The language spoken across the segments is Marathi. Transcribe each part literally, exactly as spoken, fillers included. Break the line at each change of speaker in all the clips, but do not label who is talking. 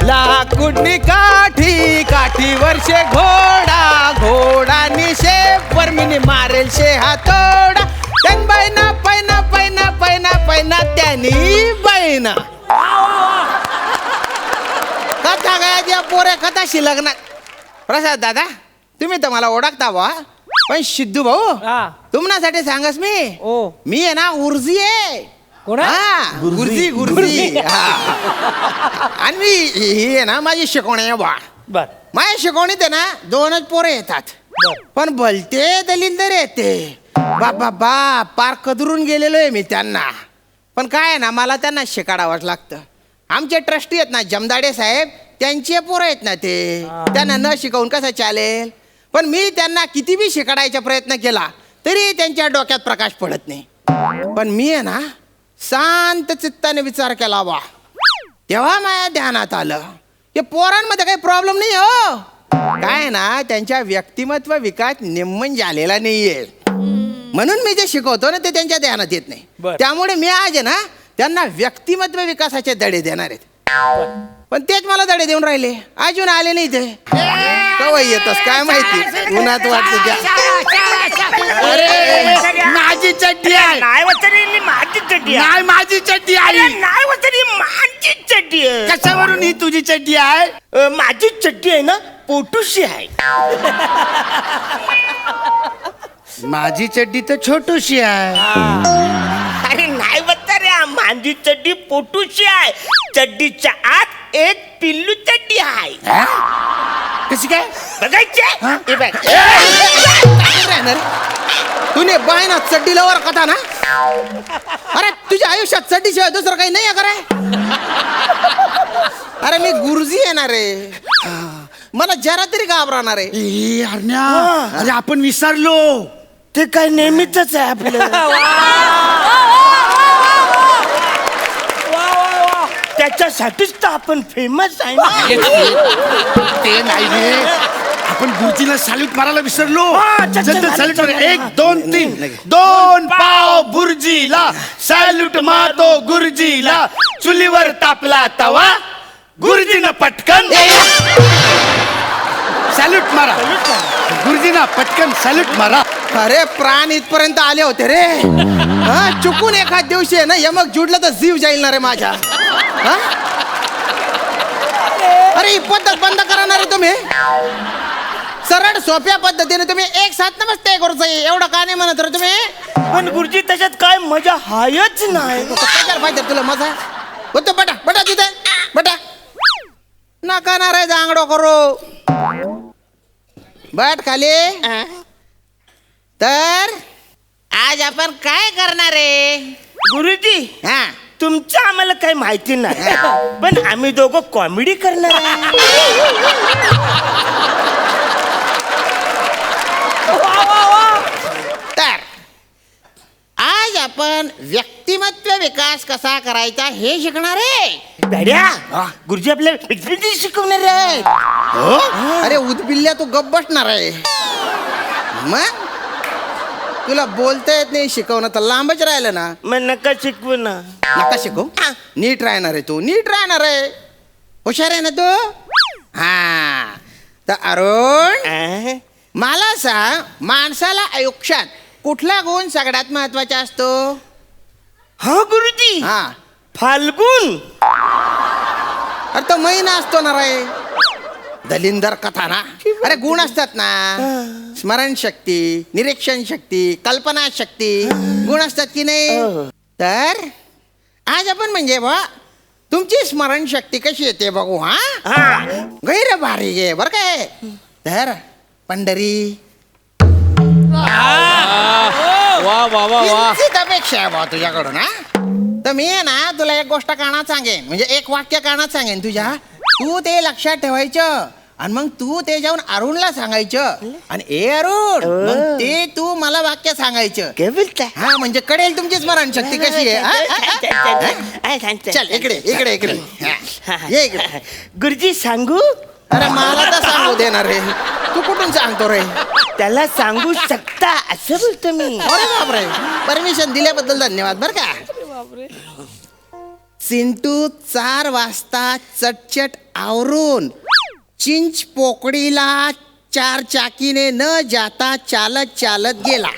लाकुडनी काठी काठी वर्षे घोडा घोडा शेपर मिनी मारेल शे हातोडा त्यान बैना पैना पैना पैना पैना त्यानी बैना. कथा गायच्या पोरे कथाशी लग्न. प्रसाद दादा तुम्ही तर मला ओळखता बा, पण सिद्धू भाऊ तुम्हासाठी सांगस मी
ओ
मी आहे ना उर्जी आहे.
कोण
हा गुरुजी गुरुजी. आणि मी ही आहे ना माझी शिकवणी आहे बा.
बर
माझ्या शिकवणीत आहे ना दोनच पोरे येतात, पण भलते दलिंदर येते बाबा बा पार कदरून गेलेलो आहे मी त्यांना. पण काय आहे ना मला त्यांना शिकाडावंच लागतं. आमचे ट्रस्टी आहेत ना जमदाडे साहेब त्यांचे पोरं आहेत ना ते, त्यांना न शिकवून कसं चालेल. पण मी त्यांना किती बी शिकाडायचा प्रयत्न केला तरी त्यांच्या डोक्यात प्रकाश पडत नाही. पण मी आहे ना शांत चित्ताने विचार केला बा, तेव्हा माझ्या ध्यानात आलं की पोरांमध्ये काही प्रॉब्लेम नाही हो. काय ना त्यांच्या व्यक्तिमत्व विकास निम्मन झालेला नाहीये, म्हणून मी जे शिकवतो ना ते त्यांच्या ध्यानात येत नाही. त्यामुळे मी आज आहे ना त्यांना व्यक्तिमत्व विकासाचे धडे देणार आहेत. पण तेच मला धडे देऊन राहिले, अजून आले नाही ते. कवा येतस काय माहिती, उन्हात वाटत त्या.
अरे माझी चड्डी आहे.
नाही वचनी माझी चड्डी आहे.
नाही माझी चड्डी आहे.
नाही वचनी माझी चड्डी आहे.
कशावरून ही तुझी चड्डी आहे?
अ, माझी चड्डी आहे ना पोटूशी आहे.
माझी चड्डी तर छोटूशी आहे.
अरे नाही बघता रे, माझी चड्डी पोटूशी आहे. चड्डीच्या आत एक पिल्लू चड्डी आहे.
कशी काय
बघायचे हे बघ.
तुने बाय ना चड्डीला वर कथा ना. अरे तुझ्या आयुष्यात चड्डीशिवाय दुसरं काही नाही आहे का रे? अरे मी गुरुजी येणार रे, मला जरा तरी घाबरणार आहे.
ए अरण्या, अरे आपण विसरलो.
ते काय नेहमीच आहे आपलं. त्याच्यासाठीच तर आपण फेमस आहे ना.
ते नाही रे, आपण गुरुजीला सॅल्यूट मारायला विसरलो.
चल, चल,
चल, सॅल्यूट
चल,
मार.
चल.
एक दोन तीन. दोन पाव गुरुजीला सॅल्यूट मारतो गुरुजीला. चुलीवर तापला तवा गुरुजीनं पटकन सॅल्यूट मारा. गुरुजीना पटकन सॅल्यूट मारा.
अरे प्राण इथपर्यंत आले होते रे. हा चुकून एखाद दिवशी आहे ना यमक जुडलं तर जीव जाईल ना रे माझ्या. हा? अरे ही पद्धत बंद करणार आहे तुम्ही. सरळ सोप्या पद्धतीने तुम्ही एक साथ नमस्ते करूच एवढं का नाही म्हणत रे तुम्ही.
पण गुरुजी त्याच्यात काय मजा हायच नाही.
कशाला पाहिजे तुला मजा. होतो बटा बटा तिथे बटा नका ना रे जांगडो करू. बट खाली. तर आज आपण काय करणार आहे
गुरुजी?
हा
तुमचं आम्हाला काही माहिती नाही, पण आम्ही दोघं कॉमेडी करणार आहे.
तर आज आपण व्यक्तिमत्व विकास कसा करायचा हे शिकणार आहे.
बड्या गुरुजी आपल्याला व्यक्तिमत्व शिकवणार आहे.
अरे उदबिल्ल्या तू गप बसणार आहे. मग तुला बोलता येत नाही, शिकवणं तर लांबच राहिलं ना.
मग नका शिकवू ना.
नका शिकव. नीट राहणार आहे तू, नीट राहणार आहे. हुशार आहे ना तू. हा तर अरुण मला सांग, माणसाला आयुष्यात कुठला गुण सगळ्यात महत्वाचा असतो?
हा गुरुजी,
हा
फाल्गुन.
अरे तो महिना असतो ना रे. दलिंदर कथा ना. अरे गुण असतात ना, स्मरणशक्ती, निरीक्षण शक्ती, कल्पना शक्ती, गुण असतात की नाही. तर आज आपण म्हणजे बा तुमची स्मरणशक्ती कशी येते बघू. हा गैर भारी गे बर काय. तर पंढरी
वा वा वा वा.
अपेक्षा आहे बा तुझ्याकडून. हा तर मी आहे ना तुला एक गोष्ट कानात सांगेन, म्हणजे एक वाक्य कानात सांगेन तुझ्या. तू ते लक्षात ठेवायचं आणि मग तू ते जाऊन अरुणला सांगायचं. आणि ए अरुण मग ते तू मला वाक्य सांगायचं.
काय बोलताय?
हा म्हणजे कळेल तुमची स्मरणशक्ती कशी आहे. चल इकडे इकडे इकडे ये इकडे.
गुरुजी सांगू?
अरे मला तर सांगू देणार रे, तू कुठून सांगतो रे.
त्याला सांगू शकता असं बोलतो मी.
अरे बापरे, परमिशन दिल्याबद्दल धन्यवाद बर का. चिंटू चार वाजता चटचट आवरून चिंच पोकळीला चार चाकीने न जाता चालत चालत गेला.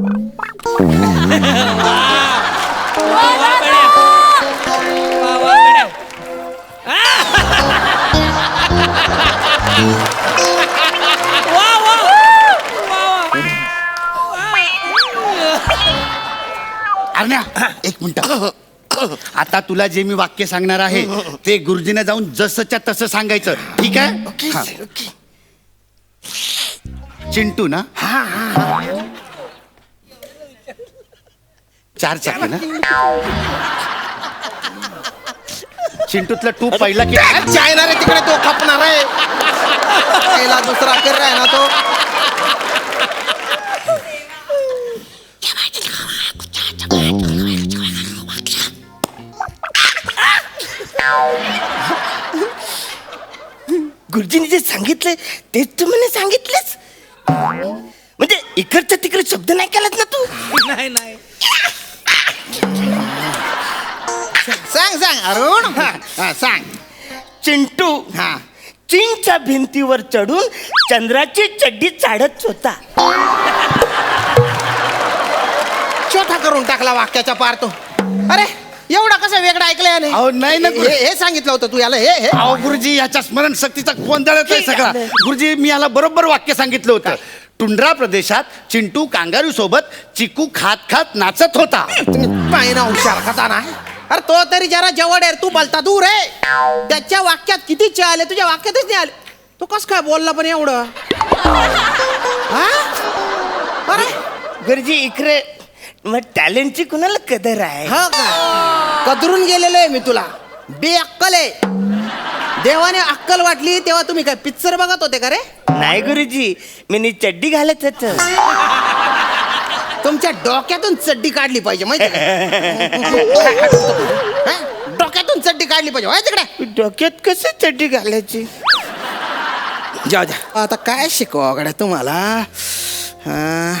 अरण्या एक मिनिट. आता तुला जे मी वाक्य सांगणार आहे ते गुरुजीने जाऊन जसंच्या तसं सांगायचं, ठीक आहे? हा. चिंटू ना? चार चाकी ना? चिंटूतला टू पहिला की
चायना रे तिकडे तो खपणार आहे. पहिला दुसरा कर आहे ना तो.
गुरुजीने जे सांगितलंय तेच तू मला सांगितलंच. म्हणजे इकडच्या तिकडे शब्द नाही केलात ना तू.
नाही नाही
सांग सांग अरुण. हा, हा, सांग.
चिंटू
हा
चीनच्या भिंतीवर चढून चंद्राची चड्डी चाडत होता.
छोटा करून टाकला वाक्याच्या पार तो. अरे एवढा कसा वेगळा ऐकलंय याने?
अहो, नाही ना, गुरु.
हे हे सांगितलं होतं तू याला हे हे
अहो गुरुजी, याच्या स्मरणशक्तीचा गोंधळच आहे सगळा. गुरुजी, मी याला बरोबर वाक्य सांगितलं होतं. टुंड्रा प्रदेशात चिंटू कांगारू सोबत चिकू खात खात नाचत होता.
पाहिना हुशार खाता ना. अरे तो तरी जरा जवळ आहे, तू बोलता दूर आहे. त्याच्या वाक्यात किती चे आले, तुझ्या वाक्यातच नाही आले. तो कस काय बोलला पण एवढं? हा? अरे
गुरुजी इकडे मग टॅलेंटची कुणाला कदर आहे?
हा का? कदरून गेलेलो आहे मी तुला. बेअक्कल आहे. देवाने अक्कल वाटली तेव्हा तुम्ही काय पिक्चर बघत होते का रे?
नाही गुरुजी, मी नी चड्डी घालत होत.
तुमच्या डोक्यातून चड्डी काढली पाहिजे माहिती डोक्यातून चड्डी काढली पाहिजे माहिती तिकडे.
डोक्यात कसं चड्डी घालायची?
जाऊ द्या. आता काय शिकवा गड्या तुम्हाला? हा.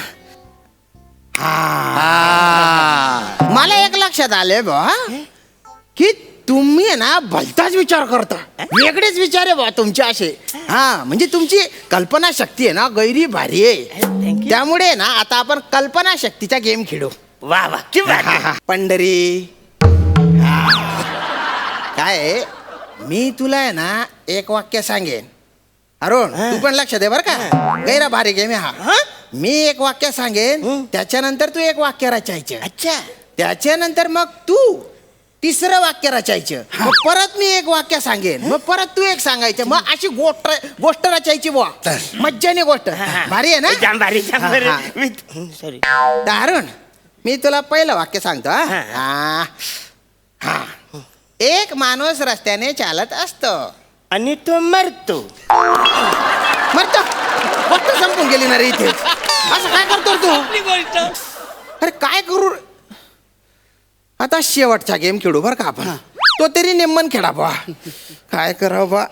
हा. मला एक लक्षात आले बा की तुम्ही आहे ना भलताच विचार करता. वेगळेच विचार आहे बा तुमचे असे. हा म्हणजे तुमची कल्पना शक्ती आहे ना गैरी भारी आहे. त्यामुळे ना आता आपण कल्पना शक्तीचा गेम खेळू.
वा वा कि
हा, हा. पंढरी हा. काय आहे, मी तुला आहे ना एक वाक्य सांगेन अरुण, तू पण लक्ष दे बर का. गैरा भारी गेम आहे हा. मी एक वाक्य सांगेन, त्याच्यानंतर तू एक वाक्य रचायचं.
अच्छा.
त्याच्यानंतर मग तू तिसरं वाक्य रचायचं. मग परत मी एक वाक्य सांगेन, मग परत तू एक सांगायचं. मग अशी गोष्ट गोष्ट रचायची बुवा. मज्जाने गोष्ट भारी आहे ना.
जाम भारी जाम
हा,
भारी.
हा.
मी- सॉरी.
तर अरुण, मी तुला पहिलं वाक्य सांगतो. हा?
हा.
हा. हा. एक माणूस रस्त्याने चालत असतो
आणि तो मरतो.
मरतो. गोष्ट संपून गेली ना रे इथे. असं काय करतो रे तू?
आपली गोष्ट.
अरे काय करू रे? आता शेवटचा गेम खेळू बरं का आपण. तो तरी नेमन खेळा बा. काय करावं बा.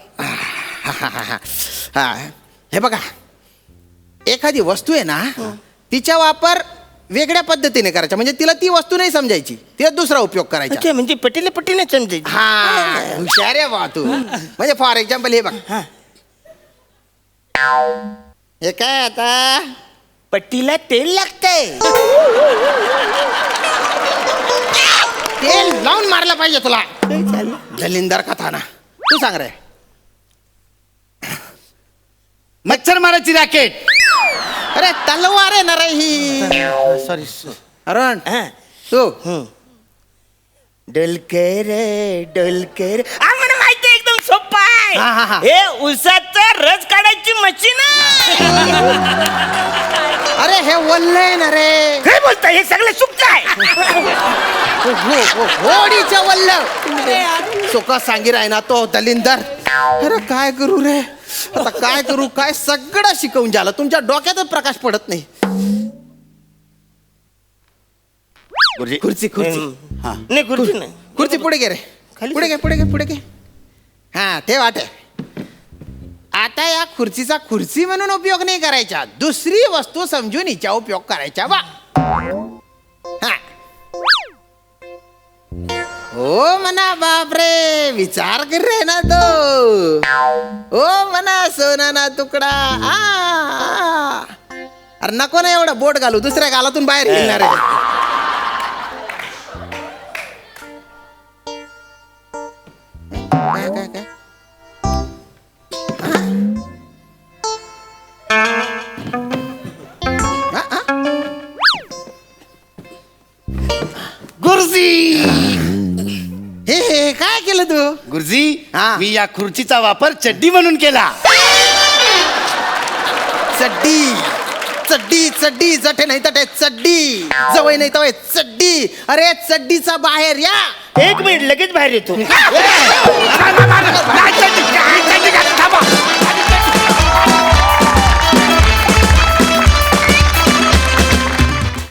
हा हे बघा, एखादी वस्तू आहे ना तिचा वापर वेगळ्या पद्धतीने करायचा. म्हणजे तिला ती वस्तू नाही समजायची, तिला दुसरा उपयोग करायचा.
अच्छा, म्हणजे पटीला पटीने समजायची.
हा हुशार आहे बा तू. म्हणजे फॉर एक्झाम्पल हे बघ, हे काय आता
पट्टीला तेल लागतंय.
तेल लावून मारलं पाहिजे तुला.
काय झालं?
दलिंदर कथा ना. तू सांग रे.
मच्छर मारायची रॅकेट.
अरे तलवार आहे ना रे ही.
सॉरी.
अरुण
हा.
तू
डोलकर डोलकर. आ, मला माहिती आहे, एकदम सोपा
हा, हा, हा.
आहे. हे उसाचा रस काढायची मशीन आहे.
अरे हे वल्ल आहे ना रे.
काय बोलताय? हे सगळं सुप्त आहे.
होडीचं वल्ल सुख सांगी राय ना तो दलिंदर. अरे काय करू रे आता, काय करू काय. सगळं शिकवून झालं, तुमच्या डोक्यातच प्रकाश पडत नाही.
गुरुजी,
खुर्ची खुर्ची
हा.
नाही खुर्ची नाही.
खुर्ची पुढे घे रे.
खाली
पुढे घे पुढे घे पुढे घे. हा ते वाटे. आता या खुर्चीचा खुर्ची म्हणून उपयोग नाही करायचा, दुसरी वस्तू समजून हिचा उपयोग करायचा. वा हा. हो ओ म्हणा बापरे विचार कर रे ना तो ओ म्हणा सोना ना तुकडा आ, आ. अरे नको ना एवढं बोट घालू दुसऱ्या गालातून बाहेर येणार आहे काय काय काय आ, आ?
गुरुजी
हे हे काय केलं तू
गुरुजी
हा.
मी या खुर्चीचा वापर चड्डी म्हणून केला.
चड्डी चड्डी चड्डी जटे नाही तटे चड्डी जवळ नाही तवय चड्डी अरे चड्डीचा बाहेर या
एक मिनिट लगेच बाहेर येतो
नाही, चड्डी, काय चड्डी, काय?